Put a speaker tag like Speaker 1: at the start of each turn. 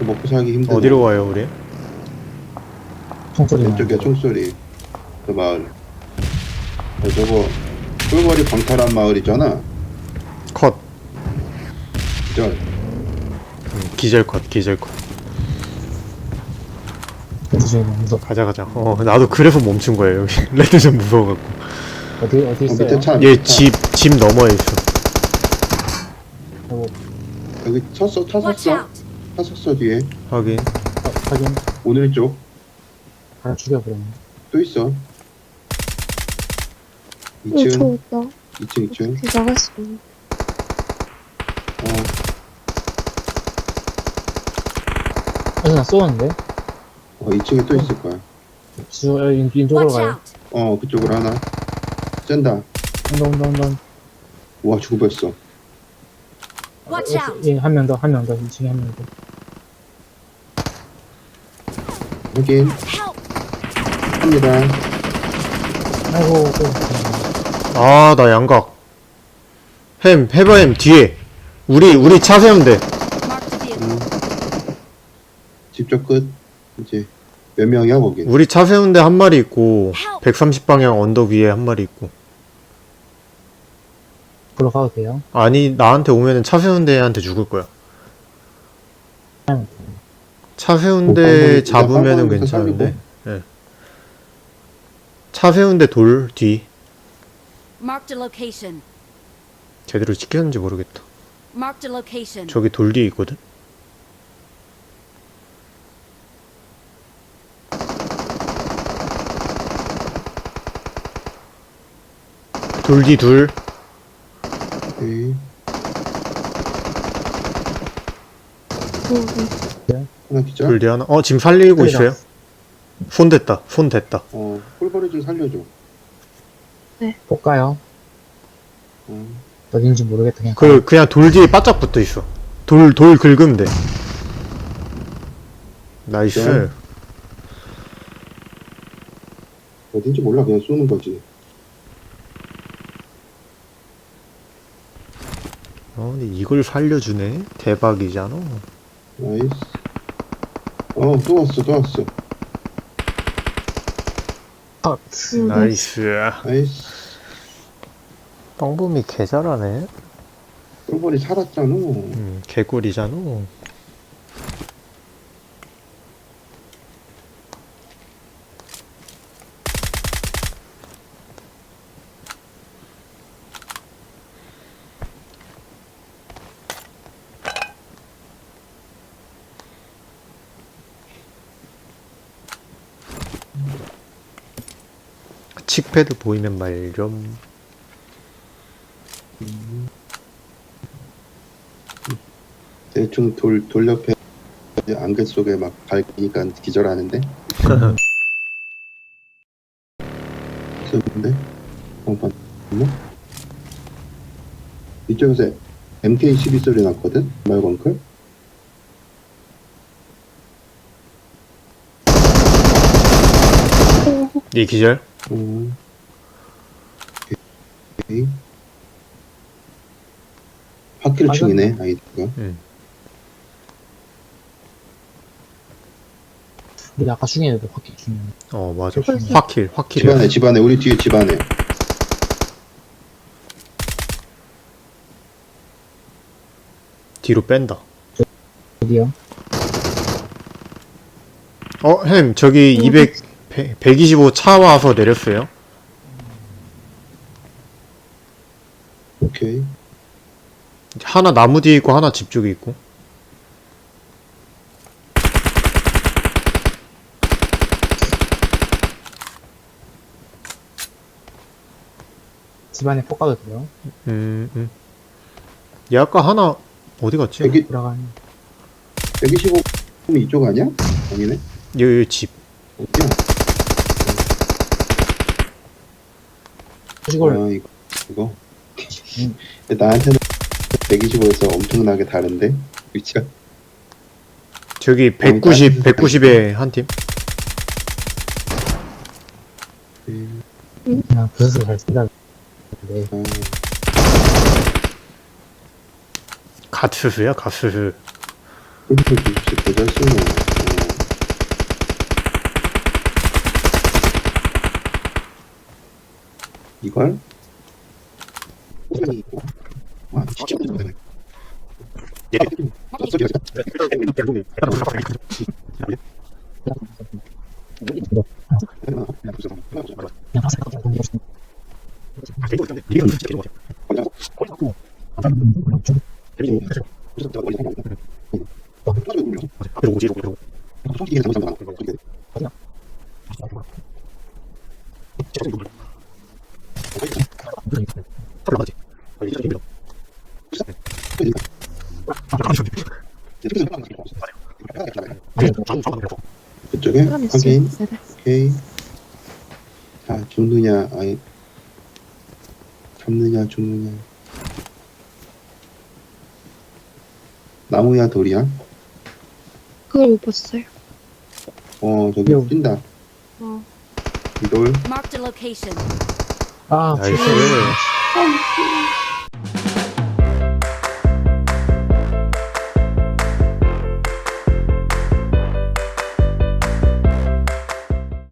Speaker 1: 먹고 살기 힘드네.
Speaker 2: 어디로 가요 우리?
Speaker 3: 총소리
Speaker 1: 왼쪽에 총소리. 그 마을. 저거 꿀벌이 광탈한 마을이잖아.
Speaker 2: 컷.
Speaker 1: 저
Speaker 2: 기절 컷 기절 컷.
Speaker 3: 레드존이 너무 무섭.
Speaker 2: 가자 가자. 나도 그래서 멈춘 거예요 여기. 레드존 무서워갖고.
Speaker 3: 어디 있어요?
Speaker 1: 밑에 차.
Speaker 2: 얘
Speaker 1: 밑에 차.
Speaker 2: 집 너머에 있어.
Speaker 3: 어,
Speaker 1: 여기 섰어. 타
Speaker 4: Watch
Speaker 1: 섰어.
Speaker 4: out!
Speaker 1: 타 섰어 뒤에.
Speaker 2: 확인.
Speaker 3: 확인.
Speaker 1: 오늘 쪽.
Speaker 3: 하나 죽여버렸네.
Speaker 1: 또 있어.
Speaker 5: 저
Speaker 1: 2층.
Speaker 5: 있다.
Speaker 1: 2층 2층.
Speaker 5: 어떻게 나갔어?
Speaker 3: 나 쏘았는데?
Speaker 1: 2층에 또 있을 거야.
Speaker 3: 인쪽으로
Speaker 4: Watch
Speaker 3: 가요.
Speaker 4: out!
Speaker 1: 그쪽으로 하나. 쨘다.
Speaker 3: 온다.
Speaker 1: 와 죽을 뻔했어.
Speaker 4: Watch out!
Speaker 3: 예, 한 명 더. 2층에 한 명 더.
Speaker 1: 확인.
Speaker 4: Help!
Speaker 1: 합니다.
Speaker 3: 아이고,
Speaker 2: 아 나 양각. 해봐햄 뒤에. 우리 차 세우면 돼.
Speaker 4: Mark the vehicle.
Speaker 1: 집쪽 끝. 이제 몇 명이야 거기?
Speaker 2: 우리 차 세운데 한 마리 있고 130방향 언덕 위에 한 마리 있고.
Speaker 3: 불러 가도 돼요?
Speaker 2: 아니 나한테 오면은 차 세운데 애한테 죽을 거야. 차 세운데 잡으면은
Speaker 1: 빵빵부터
Speaker 2: 괜찮은데. 예. 차 세운데 돌 뒤.
Speaker 4: Marked a location.
Speaker 2: 제대로 지켰는지 모르겠다.
Speaker 4: Marked a location.
Speaker 2: 저기 돌 뒤에 있거든. 돌 뒤 둘.
Speaker 1: 오케이. 하나 기자.
Speaker 2: 돌 뒤 하나. 지금 살리고
Speaker 3: 그래,
Speaker 2: 있어요. 손 됐다.
Speaker 1: 꿀벌이 좀 살려줘.
Speaker 3: 볼까요?
Speaker 1: 어.
Speaker 3: 어딘지 모르겠다. 그냥.
Speaker 2: 그냥 돌 뒤에 바짝 붙어 있어. 돌 긁으면 돼. 나이스.
Speaker 1: 네. 어딘지 몰라 그냥 쏘는 거지.
Speaker 2: 근데 이걸 살려주네. 대박이잖아.
Speaker 1: 나이스. 또 왔어.
Speaker 3: 컷.
Speaker 2: 나이스.
Speaker 1: 나이스.
Speaker 2: 빵범이 개 잘하네.
Speaker 1: 꿀벌이 살았잖아.
Speaker 2: 개꿀이잖아. 칙패드 보이면 말 좀.
Speaker 1: 대충 돌 옆에 안개 속에 막 밟으니까 기절하는데. 있었는데. 공판. 이쪽에서 MK12 소리 났거든. 말건클.
Speaker 2: 이 기절.
Speaker 1: 오케이. 확킬 중이네 아이디가.
Speaker 3: 우리 아까 중에도 확실히 중요해.
Speaker 2: 맞아.
Speaker 3: 그렇지.
Speaker 2: 확킬이야.
Speaker 1: 집안에 우리 뒤에 집안에.
Speaker 2: 뒤로 뺀다.
Speaker 3: 어디요?
Speaker 2: 햄 저기 125 차 와서 내렸어요.
Speaker 1: 오케이.
Speaker 2: 하나 나무 뒤에 있고 하나 집 쪽에 있고.
Speaker 3: 집안에 폭 가도 돼요?
Speaker 2: 얘 아까 하나 어디 갔지?
Speaker 1: 여기
Speaker 3: 돌아가는.
Speaker 1: 125 이쪽 아니야? 아니네.
Speaker 2: 여기 집.
Speaker 1: 어디야?
Speaker 3: 이걸
Speaker 1: 이거. 나한테는 125에서 엄청나게 다른데 위치가.
Speaker 2: 저기 190에 한 팀.
Speaker 3: 그냥 부서서 잘 쓴다. 네.
Speaker 2: 갓스스야 갓스스.
Speaker 1: 그래서 진짜 대잘 쓰노. 이걸? 와, 진짜 못하네.
Speaker 3: 그냥 가서 그냥 돈 벌었어.
Speaker 1: 그쪽에 확인. 오케이. 자, 죽느냐, 아니, 잡느냐, 죽느냐. 나무야, 돌이야?
Speaker 5: 그걸 못 봤어요.
Speaker 1: 저기
Speaker 3: 요.
Speaker 1: 뛴다.
Speaker 5: 어.
Speaker 1: 돌.
Speaker 4: Marked a location.
Speaker 3: 아,
Speaker 2: 나이스.
Speaker 5: 아,